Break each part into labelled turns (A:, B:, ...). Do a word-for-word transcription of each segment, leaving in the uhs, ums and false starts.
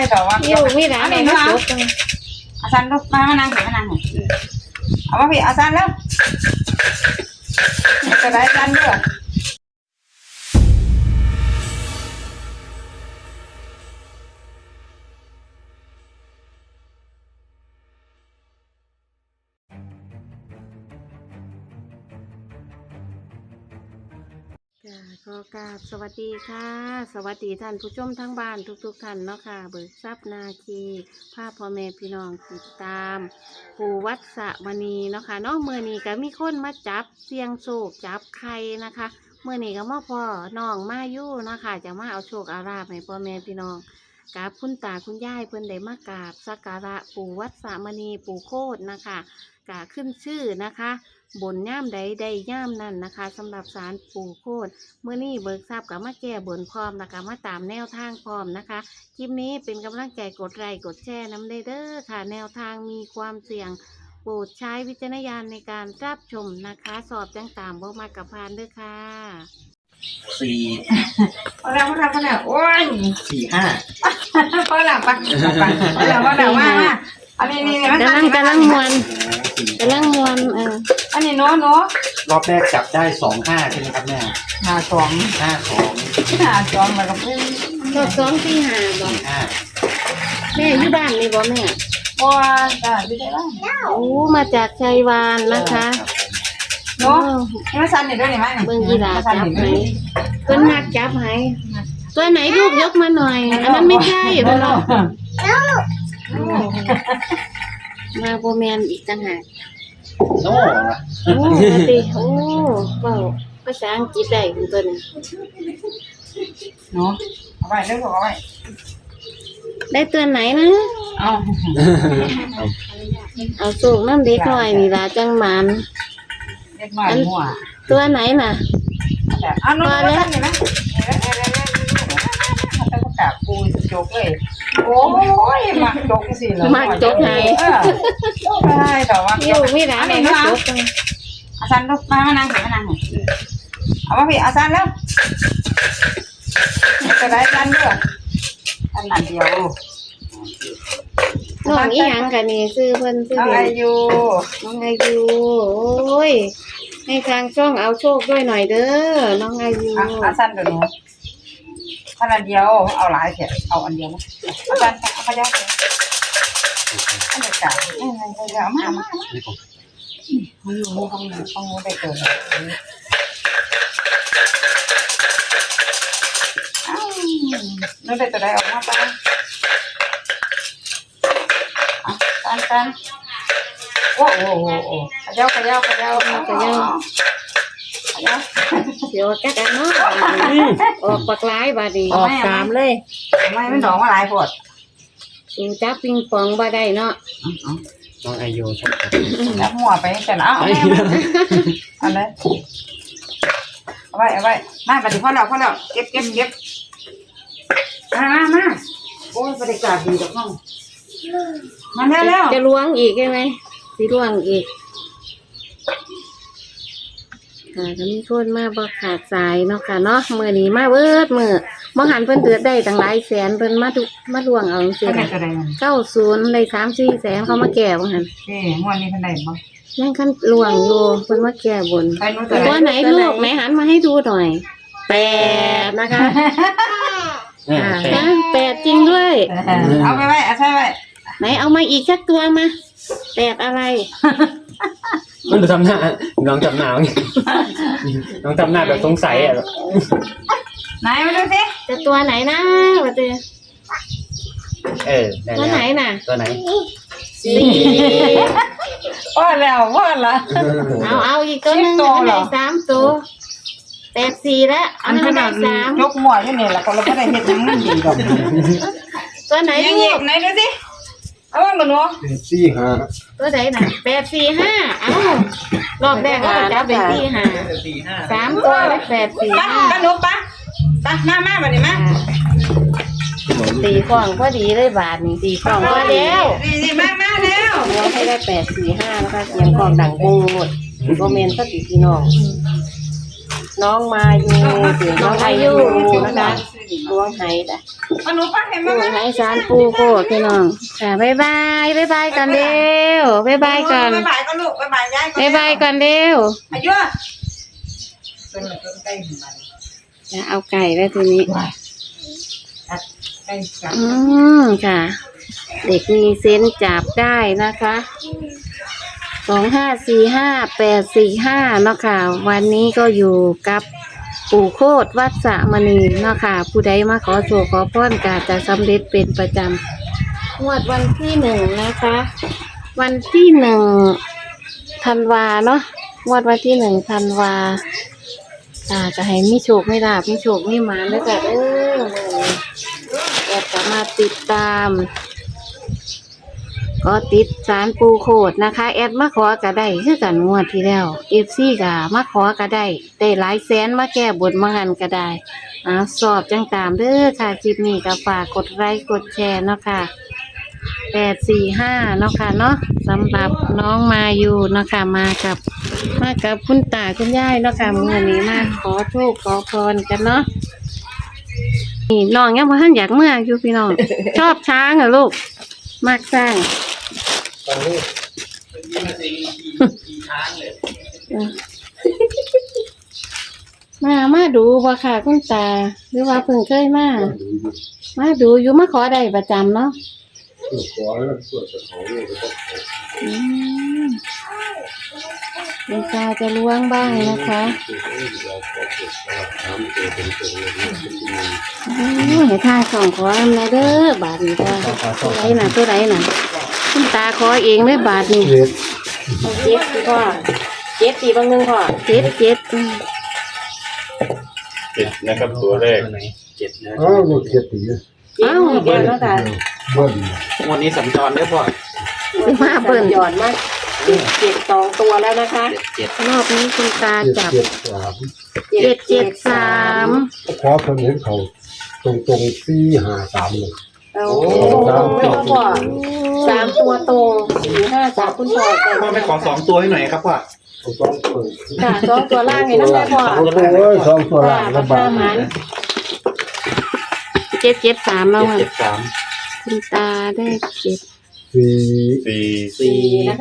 A: ต่อว่า
B: อยู่มีร้านไหนมาจบจัง
A: อาจารย์ลูกมามานั่งเถอะมานั่งเถอะเอามาพี่อาจารย์แล้วจะได้กันเด้อ
B: ขอกราบสวัสดีค่ะ สวัสดีท่านผู้ชมทั้งบ้านทุกๆท่านเนาะค่ะเบิกทรัพย์นาคีภาพพ่อแม่พี่น้องติดตามปู่วัดสะมณีเนาะค่ะเนาะเมื่อนี้ก็มีคนมาจับเสียงโชคจับไข่นะคะเมื่อนี้ก็มาพ่อน้องมาอยู่เนาะค่ะจะมาเอาโชคอาราบให้พ่อแม่พี่น้องกราบคุณตาคุณยายเพิ่นได้มากราบสักการะปู่วัดสะมณีปู่โคตรนะคะกาขึ้นชื่อนะคะบนย่ามใดใดย่ามนั่นนะคะสำหรับศาลปู่โคตรเมื่อนี้เบิกทราบกับมาแก้บนพร้อมนะคะมาตามแนวทางพร้อมนะคะคลิปนี้เป็นกำลังใจกดไลค์กดแชร์น้ำเด้อค่ะแนวทางมีความเสี่ยงโปรดใช้วิจารณญาณในการรับชมนะคะสอบจังตามบ่มากับพานเด้อค่ะ
C: สี่
A: พอแล้วพอแล้วพอแล้วโอ้ย
C: สี่ห้า
A: พอแล้วปะพอแล้วพอแล้วว่ามาอันนี้นี่มัน
B: กำลังกำลังมวนกำลังมวนเออ
A: อันนี้โน้โน้
C: รอบแรกจับได้สองห้าใช่ไหมครับแม่
A: ห้าสอง
C: ห้าสอง
A: ห้าสองแล้วก็เป็น
B: รอบสองสี่ห้าบ่
C: ห้า
B: แม่อยู่บ้านนี่บ่แม่
A: บัวจ้าอยู่ได้บ้าง
B: โอ้มาจากชัยวานนะคะ
A: โน้นี่มาสั่นนี่ด้วยนี่มั้ย
B: เบิ่งกีฬาจับไหมเพิ่นมักจับไหมตัวไหนลูกยกมาหน่อยอันนั้นไม่ใช่เพิ่นเนาะมาโบแมนอีกต่างหาก
C: โน่
B: โอ้ปฏิโอ้เว้าภาษาอังกฤษได้คุณตัวนี้
A: เนาะเอาไว้เรื่องเอาไว้
B: ได้ตัวไหนนะ
A: เอา
B: เอาสูงน้ำเด็กหน่อยนี่ล่ะจังหมัน
A: เด็กหน่อยหัว
B: ตัวไหนน่ะ
A: อันนู้นแล้วนี่นะแต่ก็กราบปูโจกเลยโอ้ยมักโจกสิเลย
B: มักโจกไง
A: ใช่แต่ว่า
B: อยู่มีร้านไหนมาโจกจัง
A: อาจารย์ลูกมามานั่งเถอะมานั่งเถอะเอามาพี่อาจารย์แล้วจะได้กันเด้ออันนั้นเดียว
B: น้องอีหยังกันนี่ซื้อเพิ่นซื้อ
A: น้องอายุ
B: น้องอายุโอ้ยให้ทางช่องเอาโชคด้วยหน่อยเด้อน้องอายุ
A: อาจารย์เดี๋ยวหนูอันเดียวเอาหลายเถอะเอาอันเดียวอาจารย์เอาไปยัดเลยอันเดียวกันเอ้ยเดี๋ยวมามามาอยู่ห้องห้องห้องได้เกินอ้าวนึกได้จะได้ออกมาป่ะอ่ะตันตันโอ้โหโอ้โหขยับขยับขยับขยับขยับ
B: เดี๋ยวกัดอันเนาะออกปากร้ายบาดี
A: ออกสามเลยไม่ไม่ดอกมาหลายปวด
B: สูจับปิงปองบ่ได้เนาะ
C: น้องอายุชัด
A: จับหัวไปแต่ละเอาเอาเลยเอาไว้เอาไว้มาปฏิพ่อแล้วพ่อแล้วเก็บเก็บเก็บมามามาโอ้ยบรรยากาศดีจังห้องมาแล้วแล้ว
B: จะล้วงอีกใช่ไหมสิล้วงอีกค่ะจะมีคนมาบ่ขาดสายเนาะค่ะเนาะมื้อนี้มาเบิดมื้อบ่หันเพิ่นเดือดได้ตั้งหลายแสนเพิ่นมาทุกมาล้วงเอาจังซี่เก้าสิบได้ สามสี่แสนเขามาแก้บ่หั่น
A: เอ้งวดนี้เพิ่นได้บ่
B: ยังคันล้วงอยู่เพิ่นมาแก้บนตัวไหนลูกไหนหันมาให้ดูหน่อยแปดนะคะอ่าแปดจริงด้วย
A: เอาไปไว้เอาใช่ไว้
B: ไหนเอามาอีกสักตัวมาแปดอะไร
C: มันจะทำหน้าน้องจำหน้าน้องจำหน้าแบบสงสัยอ่ะ
A: ไหนมาดูสิ
B: จะตัวไหนนะมาเจอ
C: เออ
B: ตัวไหนน่ะ
C: ตัวไหน
B: สี่
A: ว่าแล้วว่าละ
B: เอาเอาอีกตัวนึงได้สามตัวแปดสี่แล้วอันนั้นได้สาม
A: ยกหมวดที่นี่แหละคนเราไม่ได้เห็นยังนั่นดีดอก
B: ตัวไหน
A: ยังหยิบไหนดูสิเอาว่ามันเนาะ
C: สี่ห้า
B: ตัวไหนน่ะแปดสี่ห้าเอ้ารอบแรกก็จะเป็นสี่ห้าสามตัวแล้วแปดสี่ห้า
A: กันนุ๊กปะปะมามาแบบนี้มา
B: ตีกล่องพอดีเลยบาทนี่ตีกล่องก็แล้ว
A: นี่มามาแล้ว
B: เราให้ได้แปดสี่ห้านะคะเสียงกล่องดังบูหมดโรเมนสติพี่น้องน้องมาอยู่เสียงน้องอายุนะคะ
A: อยู่นี่
B: ดวงไหจ้ะ
A: มาหนูป้าเห็น
B: ด
A: ไหม
B: วงไหสารปูโคตรพี่น้องค่ะบ๊ายบายบ๊ายบายกันเร็วบ๊ายบายกัน
A: บ๊ายบายก็ลูกบ๊ายบายยาย
B: บ๊ายบายกันเร็ว
A: อายุเป็นอะไรก็ใกล้หนึ่งวัน
B: จะเอาไก่แล้วทีนี้
A: ใกล้กัน
B: อืมค่ะ เด็กมีเซนส์จับได้นะคะสองห้าสี่ห้าแปดสี่ห้าเนาะค่ะวันนี้ก็อยู่กับปู่โคตรวัดสะมณีเนาะค่ะผู้ใดมาขอโชว์ขอพรกาจะสำเร็จเป็นประจำงวดวันที่หนึ่งนะคะ วันที่หนึ่งธันวาเนาะงวดวันที่หนึ่งธันวาอ่าจะให้มีโชคไม่ลาบมีโชคไม่หมาแล้วก็เอออยากจะมาติดตามก็ติดสารปูโคดนะคะแอดมาขอก็ได้คือกันงวดที่แล้วเอฟซีก็มาขอก็ได้ได้หลายแสนมาแก้บนมาหันก็ได้อ่าสอบจังตามเด้อค่ะคลิปนี้ก็ฝากกดไลค์กดแชร์เนาะค่ะแปดสี่ห้าเนาะค่ะเนาะสำหรับน้องมาอยู่เนาะค่ะมากับมากับคุณตาคุณยายเนาะค่ะมื้อนี้มาขอโชคขอพรกันเนาะนี่น้องยังบ่ทันอยากเมื่ออยู่พี่น้อง ชอบช้างเหรอลูกมากสร้าง
C: ตอนนี้ยี่มาสีกี่ช้างเลย
B: มามาดูบ่ค่ะคุณตาหรือว่าเพิ่งเคยมามาดูอยู่มาขอได้ประจำเนาะ
D: ขอแล้วตรวจสอบเลยก็
B: อืมคุณตาจะล้วงบ้างนะคะ
D: ถามตัวเป็นตัวเลยนะ
B: โอ้ยให้ท่าสองขออำนาเด้อบาทนี้จ้าตัวไหนน่ะตัวไหนน่ะคุณตาขอเองเลยบาทนี้
D: เจ็ด
B: เจ็ดสิพ่อเจ็ดสี่บางหนึ่งพ่อเจ็ดเจ็ดอืม
E: เจ็ดนะครับตัวแรก
C: ตัวไหนเจ็ดนะ
D: อ้าวหมดเจ็ดตี
B: เอ้าเดี๋ยวแล้วกัน
D: เบิ้ล
C: วันนี้สัญจรเด้อพ่อ
B: มาเปิ่นหย่อนมากเจ็ดสองตัวแล้วนะคะ
C: เจ็ดเจ็ด
B: รอบนี้คุณตา
D: เจ็ด
B: จับ
D: เจ็ดสาม
B: เจ็ดเจ็ดสาม
D: ขอเพิ่นเห็นเขาตรงตรงสี่ห้าสามเลย
B: โอ้ตรงไม่พอสามตัวตรงสี่ห้าสามคุณพ่อ
C: พ่อไปขอสองตัวให้หน่อยครับพ่อ
D: สองเปิด
B: ค่ะสองตัวล่างให้น้ำแม่พ่อ
D: โอ้ยสองตัวละระบาด
B: เจ็ดเจ็ดสามแล้ว
C: เจ็ด
B: ค่ะ
C: เจ็ดสาม
B: คุณตาได้เจ็ด
D: สี่
E: สี่
C: สี่
B: นะคะ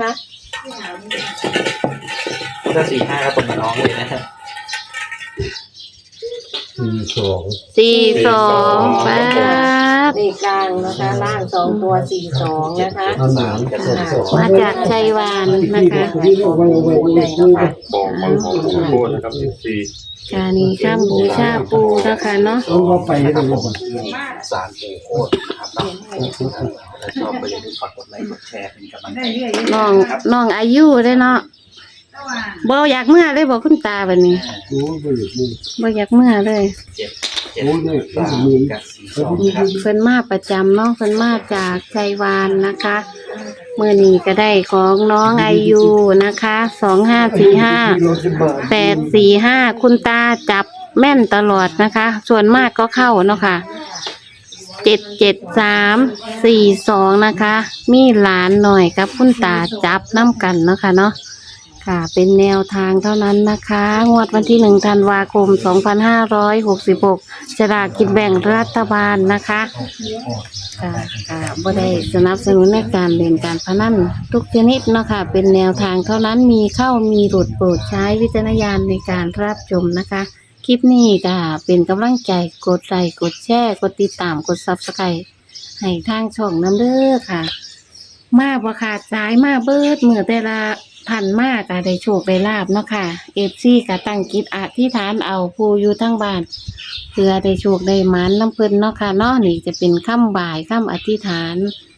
C: ถ้าสี่ห้าก็ตรงกับน้องเลยนะ
D: สี่สอง
B: สี่สองป๊าบ
F: เลขกลางนะคะล่างสองตัวสี่สองนะคะ
D: อันหนาม
C: กับสองสอง
B: มาจากชัยวานนะคะ
D: ที่เอาไว้เอาไว้เอาไว้เอาไว้
E: บอกมาของปู่โคตรนะครับสี่
B: กานี้ข้ามบูชาปูนะคะเนาะ
D: เอาว่าไปให้ดูก่อน
C: สารปูโคตรนะครับเนาะถ้าชอบก็อย่าลืมฝากกดไลค์กดแชร์เป็นกำลังใจ
B: น้องน้องอายุได้เนาะบ่อยากเมื่อเลยบอกคุณตาแบบนี้
D: โอ้ยไปอยู่นี่
B: บ่อยากเมื่อเลย
C: เจ็ดเจ็ด
D: โอ้ยเนี่ย
C: สาม
D: มี
C: กับสี่สองครับ
B: เพิ่นมาประจำเนาะเพิ่นมาจากชัยวานนะคะมื้อนี้ก็ได้ของน้องอายุนะคะสองห้าสี่ห้า แปดสี่ห้าคุณตาจับแม่นตลอดนะคะ ส่วนมากก็เข้าเนาะค่ะเจ็ดเจ็ดสามสี่สองนะคะ มีหลานหน่อยกับคุณตาจับน้ำกันเนาะค่ะเนาะค่ะ เป็นแนวทางเท่านั้นนะคะ งวดวันที่หนึ่งธันวาคมสองพันห้าร้อยหกสิบหกฉลากกินแบ่งรัฐบาลนะคะค่ะค่ะบ่ได้สนับสนุนในการเล่นการพนันทุกชนิดเนาะค่ะเป็นแนวทางเท่านั้นมีเข้ามีหลุดโปรดใช้วิจารณญาณในการรับชมนะคะ คลิปนี้ก็เป็นกำลังใจกดไลค์กดแชร์กดติดตามกดซับสไครต์ให้ทางช่องน้ำเด้อค่ะ มาบ่ขาดสายมาเบิดเมื่อแต่ละพันมากก็ได้โชคได้ลาบเนาะค่ะเอฟซีก็ตั้งจิตอธิษฐานเอาผู้อยู่ทั้งบ้านเพื่อได้โชคได้หมานน้ำเพิ่นเนาะค่ะเนาะนี่จะเป็นคำบ่ายคำอธิษฐาน